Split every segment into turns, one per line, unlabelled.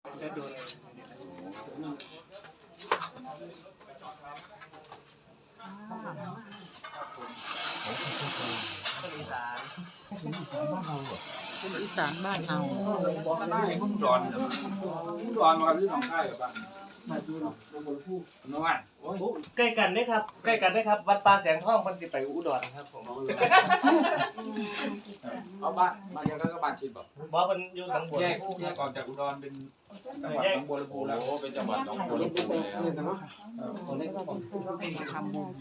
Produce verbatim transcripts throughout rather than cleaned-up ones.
เช็ดดูอีสานอีสานบ้านเรา
บ้านเฮามุ่งดอนมุ่งดอนมาที่หนองคายกับบ้านมาดูหนองบัวลำพูน้องอ่ะโอ้ย
ใกล้กันได้ครับใกล้กันได้ครับวัดป่าแสงทองมันจะไปอุดรครับผม
เอาบ้านบ้านยังก็บ้านชิดบ่
บอกมันอยู่ทางบน
แยกแยกออกจากอุดรเป็นจังหวัดหนองบัวลำพูแล้วโอ้เป็นจังหวัดหนองบัวลำพูเลยเนาะคนนี้ก็
ทำบุญ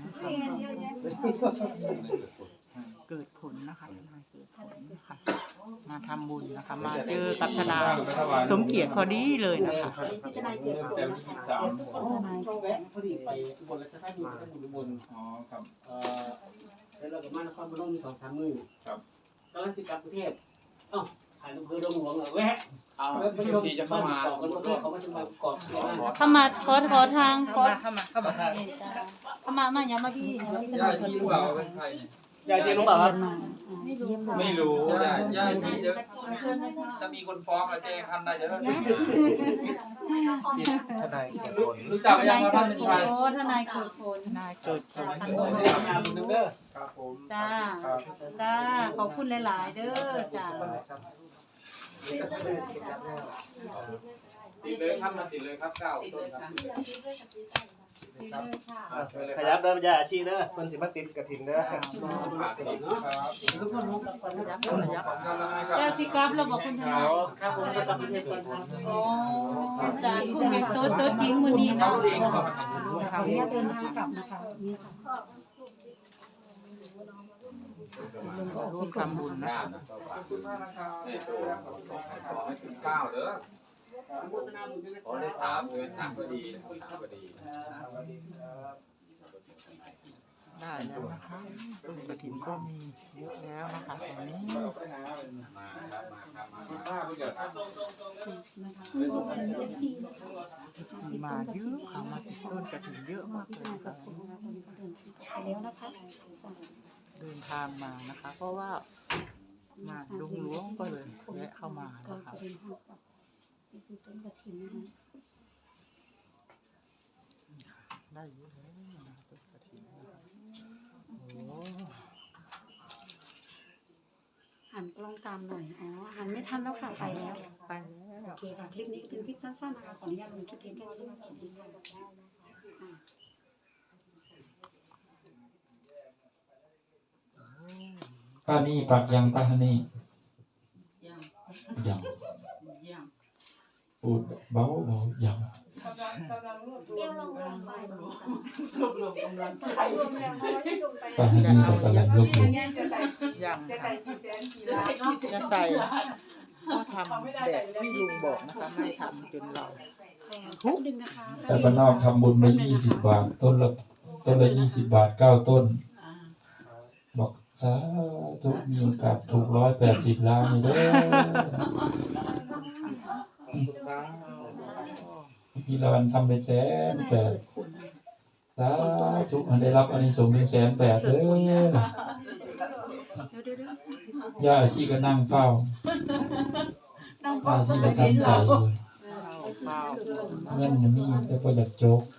เกิดผลนะคะมาเกิดผลนะคะมาทำบุญนะคะมาเจอกับทนายสมเกียรติพอดีเลยนะคะ
ทนายเกิดผลสามช่องแวะพอดีไปอุบลราชธานีไปอุบลอ๋อครับเอ่อเสร็จแล้วก็มานครพนมมีสองสามมื้อครับตอนนั้นสิกลับกรุงเทพเอ้าถ่ายรูปเพื่อลงหลวงเหรอแวะเอาเอฟซีจะเข้ามาเขามาถึงมาเกาะ
เข้ามาขอขอทางขอ
เข้ามาเข้ามา
เข้ามามาอย่ามาพี่อย่ามาพี่
ย่าที่รู้เปล่าเป็นใคร
ยายจีรู้เปล่าครับ
ไม่รู้ไม่รู้ย่าย่าที่เดี๋ยวจะมีคนฟ้องมาแจ้งคันได้เดี๋ยว
ทนายเกิดผล
รู้จักยังว่าท่านเป็นใคร
โอ้ทนายเกิดผล
ทนายเกิดผล
งานนึงเด้อ
ครับผม
จ้าจ้าขอบคุณหลายๆเด้อจ้า
ติดเลยครับมาติดเลยครับเก้าต้นครับ
ขยับเด้อยาอาชีพเด้อคนสิมาติดกระถิ่นเด้อ
ทุกคนรู้กับคนยับคนยับยาสิกลับเราบอกคุณทนาย
ครับผมจะกลับประเทศก่อนครับ
โอ้จ้าคุณเป็นโต๊ะโต๊ะจริงมื้อนี้เนาะ
ขออนุญาตเดินทางกลับนะคะนี่ค่ะร่วมทำบุญนะ
ขอบคุณมากนะครับขอให้ถึงเก้าเด้อขอได้สามเดือนสามก็ดีสามก็ดี
ได้แล้วนะคะต้นกระถิ่นก็มีเยอะแล้วนะคะตอนนี้มาเยอะค่ะมาต้นกระถิ่นเยอะมากเลยค่ะ
แล้วนะคะ
เดินทางมานะคะเพราะว่ามาดงหลวงก็เลยแวะเข้ามานะคะ
นี่คือต้นกระถิ่นนะคะ
ได้เยอะแล้วนะต้นกระถิ่นโอ้
หันกล้องตามหน่อยอ๋อหันไม่ทันแล้วค่ะไปแล้ว
ไปแล้ว
โอเคค่ะคลิปนี้เป็นคลิปสั้นๆนะคะขออนุญาตลงคลิปเพียงแค่นี้สวัสดีค่ะ
ป้านี่ปักยังป้านี่ยังยังยังพูดเบาเบายัง
เปรี้ยวลงลงไปรวบรวมกำลังรวมแล้วเพราะว่าจะจงไป
ป้านี่ก็กำลังรวบรวม
ยังจะใส่กี่แสนกี่ล้านจะใส่ก็ทำแบบที่ลุงบอกนะคะไม่ทำจนเรา
ทุกดึงนะคะ
แต่บ้านนอกทำบุญไปยี่สิบบาทต้นละต้นละยี่สิบบาทเก้าต้นบอกสาธุมีโอกาสถูกร้อยแปดสิบล้านนี่เด้อพี่ละวันทำเป็นแสนแปดสาธุได้รับอานิสงส์เป็นแสนแปดเด้อย่าอาชีก็นั่งเฝ้าอาชีก็ทำใจอยู่เงินมีแต่ก็อยากโจก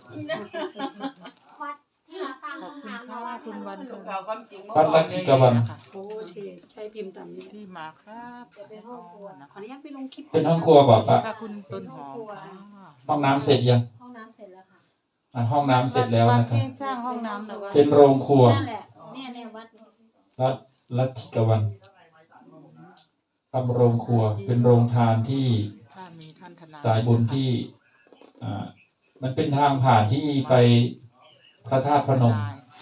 คุณวัน
ปันลักษิกวัน
โอ้เชใช้พิมพ์ตามนี้
ที่มาครับ
ขออนุญาตไปลงคลิป
เป็นห้องครัวบอกปะ
คุณต้นหอม
ห้องน้ำเสร็จยัง
ห้องน้ำเสร็จแล้วค่ะ
อ่าห้องน้ำเสร็จแล้วนะครับ
สร้างห้องน้ำแล้ว
เป็นโรงครัว
นั่นแหละเนี่ยเนี่ยวัด
วัดลัทธิกวันทำโรงครัวเป็นโรงทานที่สายบุญที่อ่ามันเป็นทางผ่านที่ไปพระธาตุพนม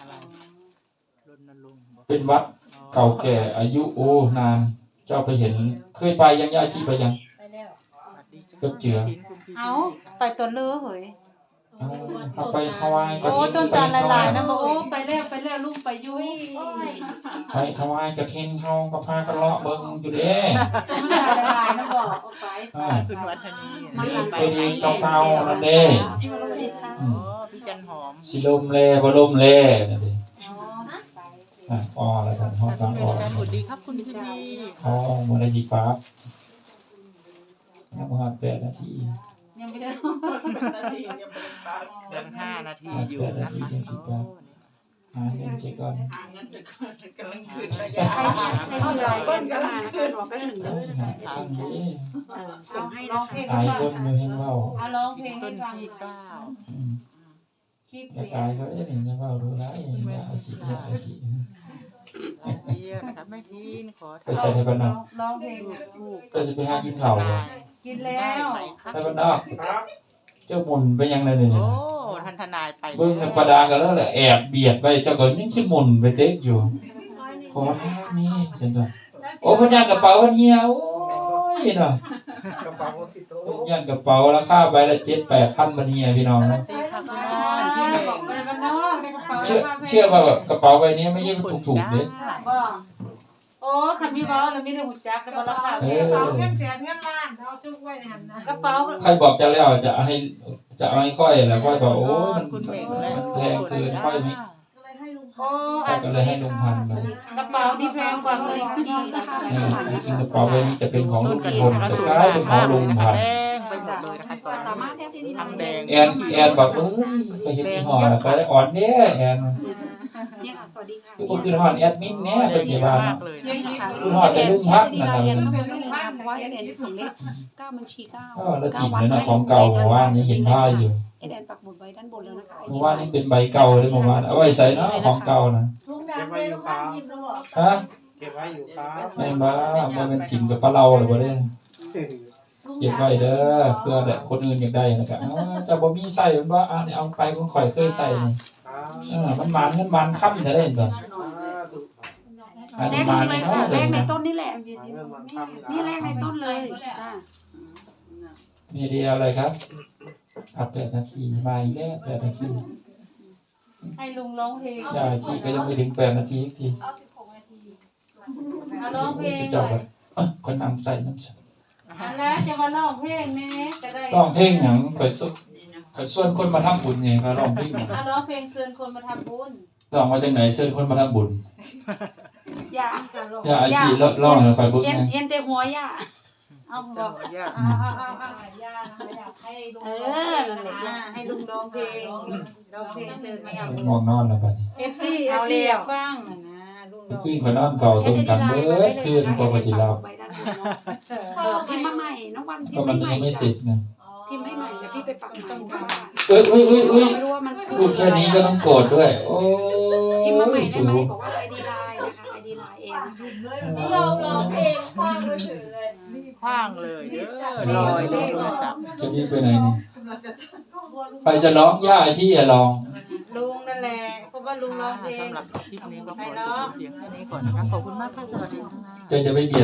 เป็นวัดเก่าแก่อายุโอ้นานเจ้าไปเห็นเคยไปยังย่าชีไปยัง
ไปแล้ว
ก็เจือ
เอาไปตัวเลือเหย
เอาไปถวาย
โอ้ต้นตาลลายๆนะบอกโอ้ไปแล้วไปแล้วลูกไปยุ่ย
ไปถวายกระเทนเฮาก็พากระเลาะเบิ่งอยู่เด้
ต้นตาลลายๆนะบอกเอาไป
คุณวัฒนี
นี่เคยดีเก่าๆนั่นเด้
พี่จันหอม
สิลมแลบ่ลมแลนั่นเด้อ่ะอ๋อแล้วกันห้องกลางอ๋อ
สวัสดีครับคุณพี่ดี
อ๋อมื้อละสิฟ้ายังบ่ฮอดแปดนาที
ยังไม่ได้
ยังห้านาทีอยู่นะคะโอ้
หาเงินใช้ก่อน
หาเงินจะกำลังคืนระยะให้ให้เราเปิ้ลก็มานะคะรอแป๊บหนึ่งเลยนะคะ
สั่งนี้
เออส่งให้นะคะ
ตายคนอยู่เห็นเว่า
เอาร้องเพลง
ต้
ให้
น
ฟัง
ที่เก้า
อืม
คลิป
จะ
เสีย
ตายเขาเอ๊ะเห็นจะเว่าดูได้ยาอาชีพยาอาชีพ
เดียวนะคะไม่ทินขอ
ไปใส่ให้บ้านนอก
ร้องเพลง
ถูก
ก็จะไปหากินข้าวบ่
กินแล้ว
ไหมคะ
ให้บ้านนอกเจ้าหมุนไปยังไงเนี่ย
โอ้ท่านทนายไป
เบิ่งในประดากันแล้วแหละแอบเบียดไปเจ้าก็ยังสิหมุนไปเต๊กอยู่ขอทางนี่เช่นจ้ะโอ้เพิ่นย่างกระเป๋าเพิ่นเหี่ยวโอ้ยเนาะ
กระเป๋าสิโต
เพิ่นย่างกระเป๋าราคาใบละเจ็ดแปดพันบัดนี้พี่น้องนะ
ตีค่ะคุณ
อ๋
น
อ
อนพี่เม
บอก
ง
ไปบ้านนอกในกระเป๋า
เชื่อเชื่อว่าแบบกระเป๋าใบนี้ไม่ใช่ถูกๆเด้
บ่โอ้คันมีเว้าแล้วมีได้หูจักแล้วบ่ราคา
เออ
กระเป๋าเงินแสนเงินล้านเอาซุกไว้ในหันนะกระเป๋าก็
ใครบอกจะแล้วจะให้จะเอาให้ค่อยแล้วค่อยบอกโอ้ยมัน
คุณเมง
มันแพงเกินค่อยไม่
โอ้
ค่อยก็เลยให้ลงพันไป
กระเป๋านี่แพงกว่าเลย
เออจริงๆกระเป๋าใบนี้จะเป็นของ
ต้
ลุ
น
ง
กระ
พ
ถิ่น
ล
นะคะ
แต่
สูง
กลายเป็นของ
มากเล
ลุ
ย
ง
นะคะ
พัน
แดงไปหมดเลยนะคะตอน
สามารถ
นี้
แทบที่นี่
ทั้งแดง
แอนแอนบอกเออไปเห็นยี่ห้อแล้วไปอ่อนเนี่ยแอน
เนี่ยค่ะสวัสดีค่ะ
คือบ่คือฮอดแอดมินแน่
แด
เป็น
ง
สิ
เยอะ
ว่า
มากเลยนะคะ
คือฮอดแต่ลุงพักนั่นน่ะ
เรียนต้องเป็นเรื่องนะคะเพราะว่าเอเดนจะส่งเลขเก้าบัญชีเก้า
เออแล้วถิ่นเลยนะของเก่าเมื่อวานนี้เห็นผ้าอยู่
เอเดนปักหมุดไว้ด้านบนแล้วนะคะ
เมื่อวานนี้เป็นใบเก่าเลยเมื่อวานเอาไว้ใส่เนาะของเก่านะ
ลุงดำเลยลุงข้างทิมแล้วบอก
ฮะ
เก็บไว้อยู่ครับ
แม่นบ่บ่แม่นกินกับปลาเราหรือบ่เด้เก็บไว้เด้อเพื่อแบบคนอื่นอยากได้นะครับอ๋อเจะบ่มีใส่มันบ่อ่านี่เอาไปของข่อยเคยใส่นี่เออมันหมานเงินหมานค่ำจะได้เห็นบ่อัน
แร
นี้
ก
หมาน
เลย
เนาะ
ค่ะแร
เด้
กใน
อ
ต้นนี่แหละนี่แรกในต้นเลยจ้า
มีเดียอะไรครับอัปเดตนาทีมาอีกแล้วแปดนาที
ให้ลุงร้องเพลง
อย่าชีก็ยังไม่ถึงแปดนาทีอีกที
เอาสิบหกนาที
เอาร้องเพลง
จะ
ห
จ
น่
บ
อย
แล้วเอ้ยคนนำไต่น้ำส
อันแล้วจะมาร้องเพลงแม่จะได้
ร้องเพลงหยังข่อยสุข่อยส่วนคนมาทำบุญไงเขาร้องเพลงหยัง
เอาร้องเพลงเชิญคนมาทำบุญ
ร้องมาจากไหนเชิญคนมาทำบุญ
อย่า
อย่าอาชีร้องร้องให้ข่อยเบิ่ง
เอ็น
ไง
เอ็นแต่หัวย่าเอาบอก
ยาก
เอาเอาเอาเอา
ย่านะคะอยากให้ลุง
เออนั่นแหละย่าให้ลุงร้องเพลงร้องเพลงเชิญมาทำบุญ
ง่วงนอนแล้วบัดนี้
เอฟซีเอฟซีอยากฟังนะนะลุงร้อง
คืนข่อยนอนเฝ้าต้นกันเบิดคืนกว่าข่อยสิหลับ
เออพิมพ์มาใหม่น้องวันพิ
ก็
มพ์
มัน
ใหม่
ยังไม่เสร็จไง
พิมพ์ให้ใหม่เดี๋ยวพี่ไปปักใหม่
เอ้ยเอ้ยเอ้ยเอ้ย
ไม่รู้ว่ามัน
พูดแค่นี้ก็ต้องโกรธด้วย โอ้
พิมพ์มาใหม่
ย
ได้
สู
ไหม
ง
บอกว่าไอดีไลน์นะคะไอดีไลน์เองนะคะ
นี่เราร้องเพลงคว้างมือถือเลย
คว้างเลยเด้อลอยเลยโทรศัพท์
จะรีบไปไหนนี่ใครจะร้องย่าอาชีพอย่าร้อง
ลุงนั่นแหละเพราะว่าลุงร้องเพลง
สำหรับคลิปนี้ก็ขอจบเพียงแค่นี้ก่อนนะคะขอบคุณมากค่ะสวัสดีค่ะ
จะจะไปเบียด